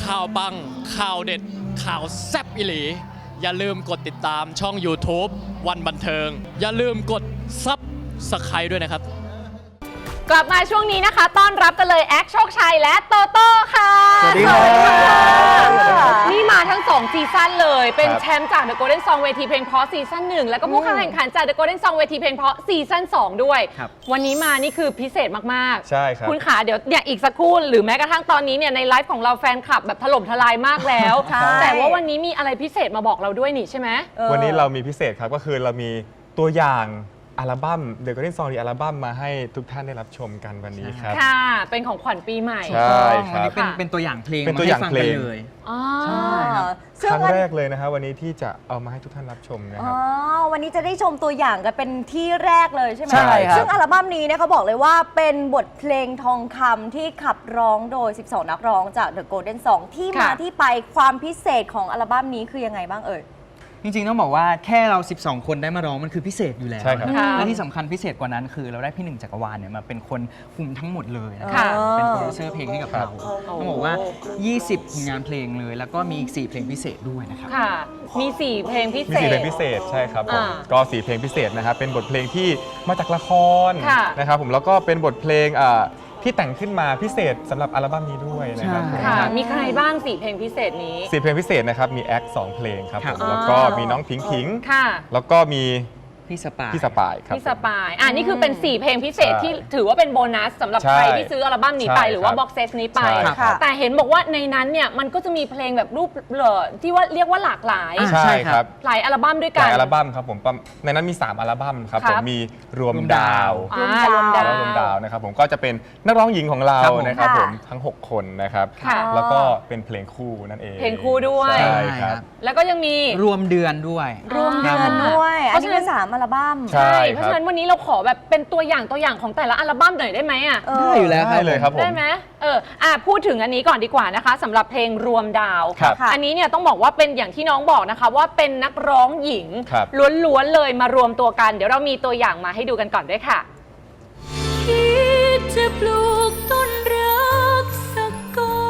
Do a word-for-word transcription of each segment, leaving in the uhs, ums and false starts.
ข่าวปังข่าวเด็ดข่าวแซ่บอิหลีอย่าลืมกดติดตามช่อง YouTube วันบันเทิงอย่าลืมกดซับสไครบ์ด้วยนะครับกลับมาช่วงนี้นะคะต้อนรับกันเลยแอคโชคชัยและโตโต้ค่ะสวัสดีครับนี่มาทั้งสองซีซั่นเลยเป็นแชมป์จาก The Golden Song เวทีเพลงเพราะซีซั่นหนึ่งแล้วก็ผู้เข้าแข่งขันจาก The Golden Song เวทีเพลงเพราะซีซั่นสองด้วยวันนี้มานี่คือพิเศษมากๆใช่ครับคุณขาเดี๋ยวเนี่ยอีกสักครู่หรือแม้กระทั่งตอนนี้เนี่ยในไลฟ์ของเราแฟนคลับแบบถล่มทลายมากแล้วแต่ว่าวันนี้มีอะไรพิเศษมาบอกเราด้วยนี่ใช่ไหมวันนี้เรามีพิเศษครับก็คือเรามีตัวอย่างอัลบั้ม The Golden Song อัลบั้มมาให้ทุกท่านได้รับชมกันวันนี้ครับค่ะเป็นของขวัญปีใหม่ใช่ครับเป็นเป็นตัวอย่างเพลงเป็นตัวอย่างเพลงเลยใช่ครับครั้งแรกเลยนะครับวันนี้ที่จะเอามาให้ทุกท่านรับชมนะครับอ๋อวันนี้จะได้ชมตัวอย่างกันเป็นที่แรกเลยใช่ไหมใช่ครับซึ่งอัลบั้มนี้เนี่ยเขาบอกเลยว่าเป็นบทเพลงทองคำที่ขับร้องโดยสิบสองนักร้องจาก The Golden Song ที่มาที่ไปความพิเศษของอัลบั้มนี้คือยังไงบ้างเอ่ยจริงๆต้องบอกว่าแค่เราสิบสองคนได้มาร้องมันคือพิเศษอยู่แล้วใช่ครับและที่สำคัญพิเศษกว่านั้นคือเราได้พี่หนึ่งจักรวาลเนี่ยมาเป็นคนคุมทั้งหมดเลยนะค่ะเป็นโปรดิวเซอร์เพลงให้กับเราต้องบอกว่ายี่สิบผลงานเพลงเลยแล้วก็มีอีกสี่เพลงพิเศษด้วยนะครับค่ะมีสี่เพลงพิเศษมีสี่เพลงพิเศษใช่ครับผมก็สี่เพลงพิเศษนะครับเป็นบทเพลงที่มาจากละครนะครับผมแล้วก็เป็นบทเพลงที่แต่งขึ้นมาพิเศษสำหรับอัลบั้มนี้ด้วยนะครับค่ะมีใครบ้างสี่เพลงพิเศษนี้สี่เพลงพิเศษนะครับมีแอคสองเพลงครับผมแล้วก็มีน้องพิงพิงแล้วก็มีพี่สปายพี่สปายครับพี่สปายอ่านี่คือเป็นสี่เพลงพิเศษที่ถือว่าเป็นโบนัสสำหรับใครที่ซื้ออัลบั้มนี้ไปหรือว่าบ็อกเซตนี้ไปแต่เห็นบอกว่าในนั้นเนี่ยมันก็จะมีเพลงแบบรูปเหล่อที่ว่าเรียกว่าหลากหลายใช่ครับหลายอัลบั้มด้วยกันหลายอัลบั้มครับผมในนั้นมีสามอัลบั้มครับผมมีรวมดาวรวมดาวรวมดาวนะครับผมก็จะเป็นนักร้องหญิงของเรานะครับผมทั้งหกคนนะครับแล้วก็เป็นเพลงคู่นั่นเองเพลงคู่ด้วยใช่ครับแล้วก็ยังมีรวมเดือนด้วยรวมเดือนด้วยอันนี้เป็นสามอัลบั้มใช่เพราะฉะนั้นวันนี้เราขอแบบเป็นตัวอย่างตัวอย่างของแต่ละอัลบั้มหน่อยได้ไหมอ่ะได้อยู่แล้วได้เลยครับผมได้ไหมเอออ่ะพูดถึงอันนี้ก่อนดีกว่านะคะสำหรับเพลงรวมดาวอันนี้เนี่ยต้องบอกว่าเป็นอย่างที่น้องบอกนะคะว่าเป็นนักร้องหญิงล้วนๆเลยมารวมตัวกันเดี๋ยวเรามีตัวอย่างมาให้ดูกันก่อนด้วยค่ะคิดจะปลูกต้นรักสักกอ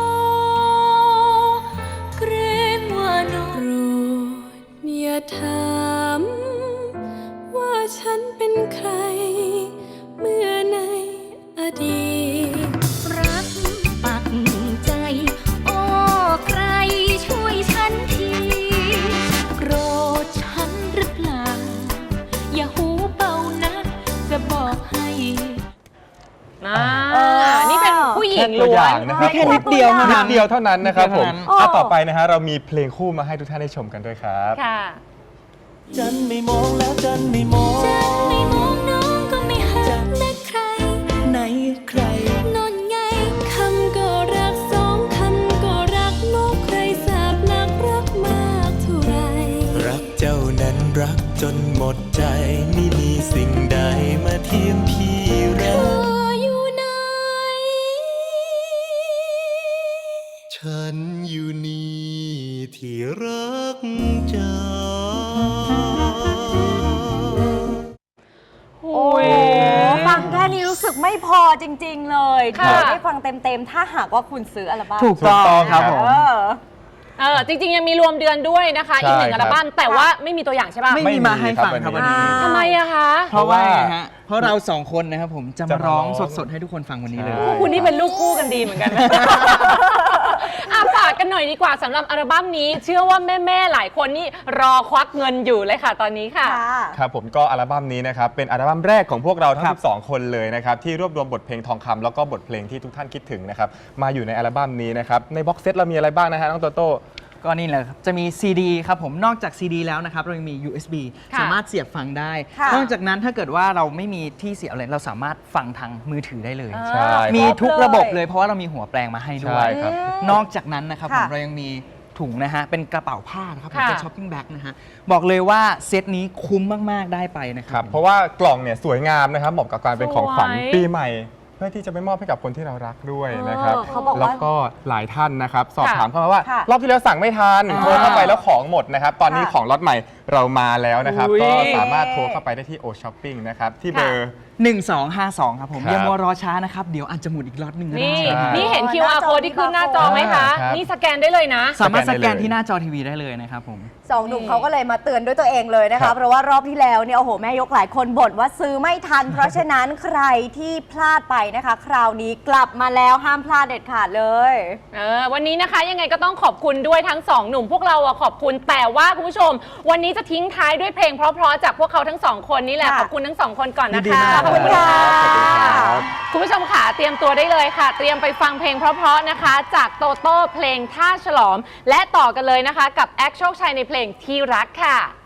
เกรงว่าน้องโปรดอย่าถามว่าฉันเป็นใครเมื่อในอดีตรักปักใจโอ้ใครช่วยฉันทีโกรธฉันหรือเปล่าอย่าหูเบานะจะบอกให้นี่เป็นผู้หญิงล้วนนะครับแค่นิดเดียวเท่านั้นนิดเดียวเท่านั้นนะครับผมต่อไปนะฮะเรามีเพลงคู่มาให้ทุกท่านได้ชมกันด้วยครับค่ะจันไม่มองแล้วจันไม่มองจันไม่มองน้องก็ไม่หาและใครไหนใครนอนไงคำก็รักสองคำก็รักโลกใครสาบนักรักมากเท่าไรรักเจ้านั้นรักจนหมดใจไม่มีสิ่งใดมาเทียมพี่รักอยู่ไหนฉันอยู่นี่ที่รักเจ้าโอ้ยฟังแค่นี้รู้สึกไม่พอจริงๆเลยที่ได้ฟังเต็มๆถ้าหากว่าคุณซื้ออัลบั้มถูกต้องครับผมเออจริงๆยังมีรวมเดือนด้วยนะคะอีกหนึ่งอัลบั้มแต่ว่าไม่มีตัวอย่างใช่ป่ะไม่มีมาให้ฟังครับวันนี้ทำไมอะคะเพราะว่าฮะเพราะเราสองคนนะครับผมจะมาร้องสดๆให้ทุกคนฟังวันนี้เลยคุณนี่เป็นลูกคู่กันดีเหมือนกันนะอาฝากกันหน่อยดีกว่าสำหรับอัลบั้มนี้เชื่อว่าแม่ๆหลายคนนี่รอควักเงินอยู่เลยค่ะตอนนี้ค่ะครับผมก็อัลบั้มนี้นะครับเป็นอัลบั้มแรกของพวกเราทั้งสิบสองคนเลยนะครับที่รวบรวมบทเพลงทองคำแล้วก็บทเพลงที่ทุกท่านคิดถึงนะครับมาอยู่ในอัลบั้มนี้นะครับในบ็อกเซตเรามีอะไรบ้างนะฮะน้องโตโต้ก็นี่แหละครับจะมี ซี ดี ครับผมนอกจาก ซี ดี แล้วนะครับเรายังมี ยู เอส บี สามารถเสียบฟังได้นอกจากนั้นถ้าเกิดว่าเราไม่มีที่เสียบอะไรเราสามารถฟังทางมือถือได้เลยมีทุกระบบเลยเพราะว่าเรามีหัวแปลงมาให้ด้วยนอกจากนั้นนะครับผมเรายังมีถุงนะฮะเป็นกระเป๋าผ้านะครับเป็นช้อปปิ้งแบ็คนะฮะบอกเลยว่าเซตนี้คุ้มมากๆได้ไปนะครับเพราะว่ากล่องเนี่ยสวยงามนะครับเหมาะกับการเป็นของขวัญปีใหม่เพื่อที่จะไปมอบให้กับคนที่เรารักด้วยนะครับแล้วก็หลายท่านนะครับสอบถามเข้ามาว่ารอบที่แล้วสั่งไม่ทันโทรเข้าไปแล้วของหมดนะครับตอนนี้ของล็อตใหม่เรามาแล้วนะครับอุ๊ยก็สามารถโทรเข้าไปได้ที่ O Shopping นะครับที่เบอร์หนึ่งสองห้าสองครับผมครับอย่ามัวรอช้านะครับ เดี๋ยวอาจจะหมดอีกล็อตหนึ่งก็ได้นี่ใช่นี่เห็นหคิวน้าอาร์จอ code ที่ขึ้นหน้าจอไหมคะครับนี่สแกนได้เลยนะสามารถสสแกนได้แกนเลยที่หน้าจอทีวีได้เลยนะครับผมสองหนุ่มเขาก็เลยมาเตือนด้วยตัวเองเลยนะครัคะบเพราะว่ารอบที่แล้วเนี่ยโอ้โหแม่ยกหลายคนบ่นว่าซื้อไม่ทัน เพราะฉะนั้นใครที่พลาดไปนะคะ คราวนี้กลับมาแล้วห้ามพลาดเด็ดขาดเลยเออวันนี้นะคะยังไงก็ต้องขอบคุณด้วยทั้งสองหนุ่มพวกเราอะขอบคุณแต่ว่าคุณผู้ชม วันนี้จะทิ้งท้ายด้วยเพลงเพราะๆจากพวกเขาทั้งสองคนนี่แหละค่ะขอบคุณทั้งสองคนก่อนนะดีคะมากขอบคุณค่ะขอบคุณครับคุณผู้ชมค่ะเตรียมตัวได้เลยค่ะ เตรียมไปฟังเพลงเพราะๆนะคะ จากโตโต้เพลงท่าฉลอม และต่อกันเลยนะคะ กับแอคโชคชัยในเพลงที่รักค่ะ